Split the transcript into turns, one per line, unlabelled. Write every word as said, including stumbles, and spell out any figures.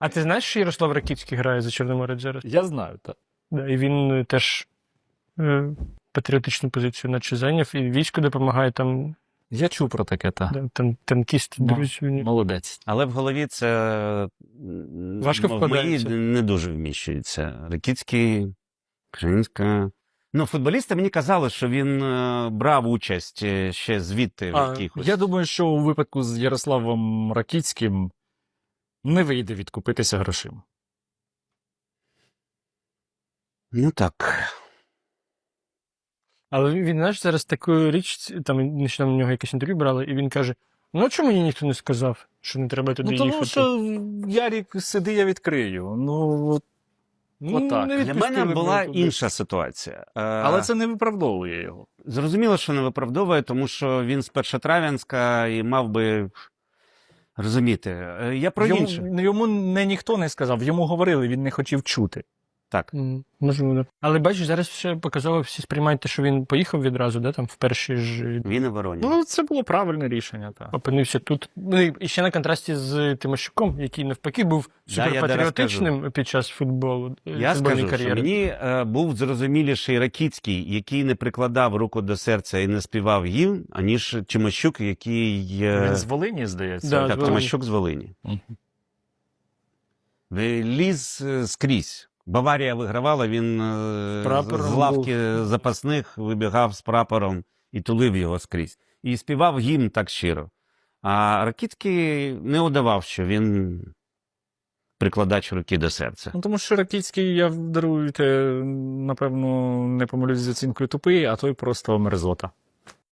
А ти знаєш, що Ярослав Ракицький грає за Чорноморець зараз?
Я знаю, так.
Да, і він е, теж е, патріотичну позицію наче зайняв, і війську допомагає там,
Я чув про таке, так.
да, там танкіст,
Ну,
друзі. у нього.
Молодець.
Але в голові це м,
Важко
в моїй
вкладається.
не дуже вміщується. Ракицький, Кринська. Ну, футболісти мені казали, що він е, брав участь е, ще звідти в
А,
якихось.
Я думаю, що у випадку з Ярославом Ракицьким не вийде відкупитися грошима.
Ну так.
Але він, він, знаєш, зараз таку річ, там нещодавно в нього якесь інтерв'ю брали, і він каже: ну а чому мені ніхто не сказав, що не треба туди
Ну, тому
їхати?
що Ярік, сиди, я відкрию. Ну, от,
Ну,
отак.
не
Для
відпустили
мене
б
була
його туди.
інша ситуація. Е,
але це не виправдовує його.
Зрозуміло, що не виправдовує, тому що він з Першотрав'янська і мав би розуміти. Е, Я про
Йому,
інше.
йому не ніхто не сказав, йому говорили, він не хотів чути.
Так.
М, Можливо, да. Але бачиш, зараз все показово, всі сприймають те, що він поїхав відразу, да, там в перші ж
Він і Вороні.
Ну, це було правильне рішення, так.
опинився тут. Ну і ще на контрасті з Тимощуком, який навпаки був
Да, я
суперпатріотичним під час футболу. е,
Я
футбольної
скажу, що
кар'єри.
мені е, був зрозуміліший Ракицький, який не прикладав руку до серця і не співав гімн, аніж Тимощук, який... Е,
Він з Волині, здається.
Да,
так,
з Волині.
Тимощук з Волині.
Мгм.
Ліз е, скрізь. Баварія вигравала, він е,
прапором
з лавки запасних вибігав з прапором і тулив його скрізь. І співав гімн так щиро. А Ракицький не удавав, що він прикладач руки до серця.
Ну, тому що Ракицький, я даруйте, напевно, не помилюсь з оцінкою тупий, а той просто мерзота.